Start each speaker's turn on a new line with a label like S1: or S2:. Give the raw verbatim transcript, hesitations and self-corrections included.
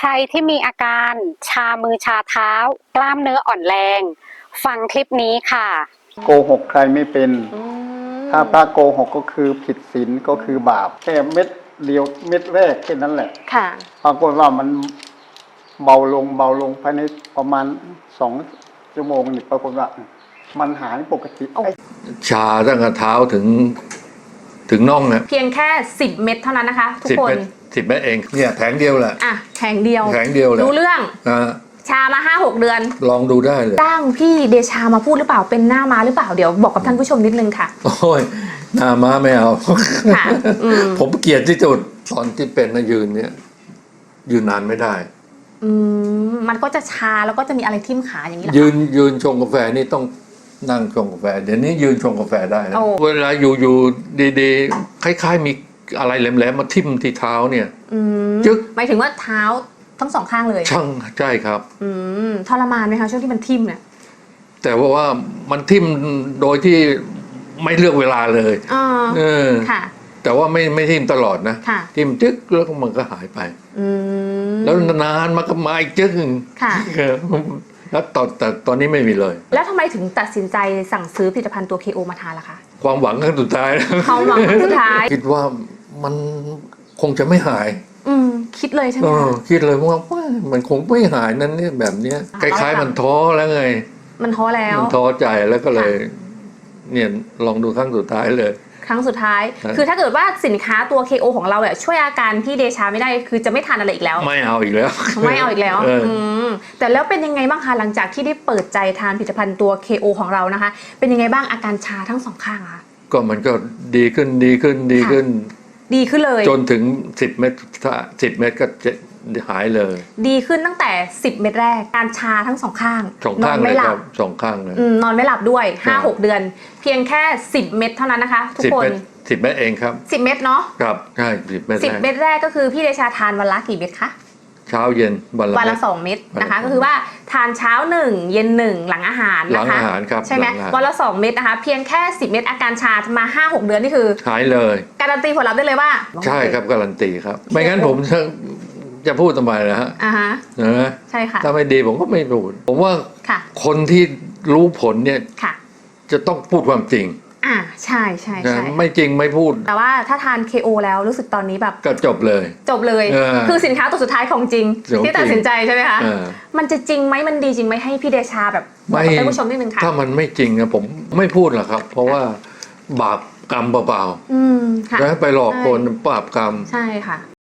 S1: รที่มีอาการชามือชาเท้ากล้ามเนื้ออ่อนแรงฟังคลิปนี้ค่ะ
S2: โกหกใครไม่เป็นถ้าพระโกหกก็คือผิดศีลก็คือบาปแค่เม็ดเดียวเม็ดแรกแค่นั้นแหละ
S1: ค่ะ
S2: ปรากฏว่ามันเบาลงเบาลงภายในประมาณสองชั่วโมงนี่ปรากฏว่ามันหายปกติ
S3: ชาตั้งแต่เท้าถึงถึงน่องนะ
S4: เพียงแค่สิบเม็ดเท่านั้นนะคะทุกคน
S3: สิบเม็ดเองเนี่ยแผงเดียวแหละ
S4: อ่ะแผงเดียว
S3: แผงเดียวเลย
S4: รู้เรื่อง
S3: นะ
S4: ชามาห้าหกเดือน
S3: ลองดูได้เลย
S4: จ้างพี่เดชามาพูดหรือเปล่าเป็นหน้าม้าหรือเปล่าเดี๋ยวบอกกับท่านผู้ชมนิดนึงค่ะ
S3: โอ้ยหน้าม้าไม่เอา
S4: ค่ะ
S3: ผมเกลียดที่สุดตอนที่เป็นนะยืนเนี่ยยืนนานไม่ได้
S4: อืมมันก็จะชาแล้วก็จะมีอะไรทิ่มขาอย่างนี้แหละ
S3: ยืนยืนชงกาแฟนี่ต้องนั่งชงกาแฟเดี๋ยวนี้ยืนชงกาแฟได้นะเวลาอยู่อยู่ดีๆคล้ายๆมีอะไรแหลมๆมาทิ่มที่เท้าเนี่ย
S4: จึ๊กหมายถึงว่าเท้าทั้งสองข้างเลย
S3: ช่างใช่ครับ
S4: อืมทรมานไหมคะช่วงที่มันทิ่มเนี่ย
S3: แต่ว่าว่ามันทิ่มโดยที่ไม่เลือกเวลาเลย
S4: อ๋อ
S3: เออ
S4: ค่ะ
S3: แต่ว่าไม่ไม่ทิ่มตลอดนะทิ่มจึ๊กแล้วมันก็หายไปแล้วนานมันก็มาอีกจึ๊กหนึ่งแล้วตอนแต่ตอนนี้ไม่มีเลย
S4: แล้วทำไมถึงตัดสินใจสั่งซื้อผลิตภัณฑ์ตัว เค โอ มาทานล่ะคะ
S3: ความหวังครั้งสุดท้าย
S4: ความหวังครั้งสุดท้าย
S3: คิดว่ามันคงจะไม่หาย
S4: อืมคิดเลยใช่ไหมคะ
S3: คิดเลยว่ามันคงไม่หายนั่นเนี่ยแบบเนี้ยคล้ายๆมันท้อแล้วไง
S4: มันท้อแล้ว
S3: มันท้อใจแล้วก็เลยเนี่ยลองดูครั้งสุดท้ายเลย
S4: ครั้งสุดท้ายคือถ้าเกิดว่าสินค้าตัว เค โอ ของเราเนี่ยช่วยอาการพี่เดชาไม่ได้คือจะไม่ทานอะไรอีกแล้ว
S3: ไม่เอาอีกแล้ว
S4: ไม่เอาอีกแล้วแต่แล้วเป็นยังไงบ้างคะหลังจากที่ได้เปิดใจทานผลิตภัณฑ์ตัว เค โอ ของเรานะคะเป็นยังไงบ้างอาการชาทั้งสองข้างคะ
S3: ก็มันก็ดีขึ้นดีขึ้นดีขึ้น
S4: ดีขึ้นเลย
S3: จนถึงสิบเม็ดถ้าสิบเม็ดก็จะหายเลย
S4: ดีขึ้นตั้งแต่สิบเม็ดแรกการชาทั้งสองข้าง
S3: สองข้างเลยครับสองข้างเลย
S4: นอนไม่หลับด้วย ห้าหก เดือนเพียงแค่สิบเม็ดเท่านั้นนะคะทุกคน
S3: สิบเม็ดเองครับ
S4: สิบเม็ดเนาะ
S3: ครับใช่สิบเม็ด
S4: สิบเม็ดแรกก็คือพี่เดชาทานวันละกี่เม็ดคะ
S3: เช้าเย็นวันละ
S4: วันละสองเม็ดนะคะก็คือว่าทานเช้าหนึ่งเย็นหนึ่งหลังอาหาร
S3: หลังอาหารครับ
S4: ใช่ไหมวันละสองเม็ดนะคะเพียงแค่สิบเม็ดอาการชามา ห้าหก เดือนนี่คือ
S3: หายเลย
S4: การันตีผลลัพธ์ได้เลยว่า
S3: ใช่ครับการันตีครับไม่งั้นผมจะจะพูดทำไมนะฮะ
S4: อ่าฮะ
S3: นะ
S4: ใช่ค่ะ
S3: ถ้าไม่ดีผมก็ไม่พูดผมว่าคนที่รู้ผลเนี่ยจะต้องพูดความจริง
S4: อ่าใช่ใช่ใช่
S3: ไม่จริงไม่พูด
S4: แต่ว่าถ้าทาน เค โอ แล้วรู้สึกตอนนี้แบบ
S3: ก็จบเลย
S4: จบเลยคือสินค้าตัวสุดท้ายของจริงที่ตัดสินใจใช่ไหมคะมันจะจริงไหมมันดีจริงไหมให้พี่เดชาแบบบอกกับท่านผู้ชมนิดนึงค่ะ
S3: ถ้ามันไม่จริงนะผมไม่พูดหรอกครับเพราะว่าบาปกรรมเปล่าๆแล้วไปหลอกคนบาปกรรม
S4: ใช่ค่ะ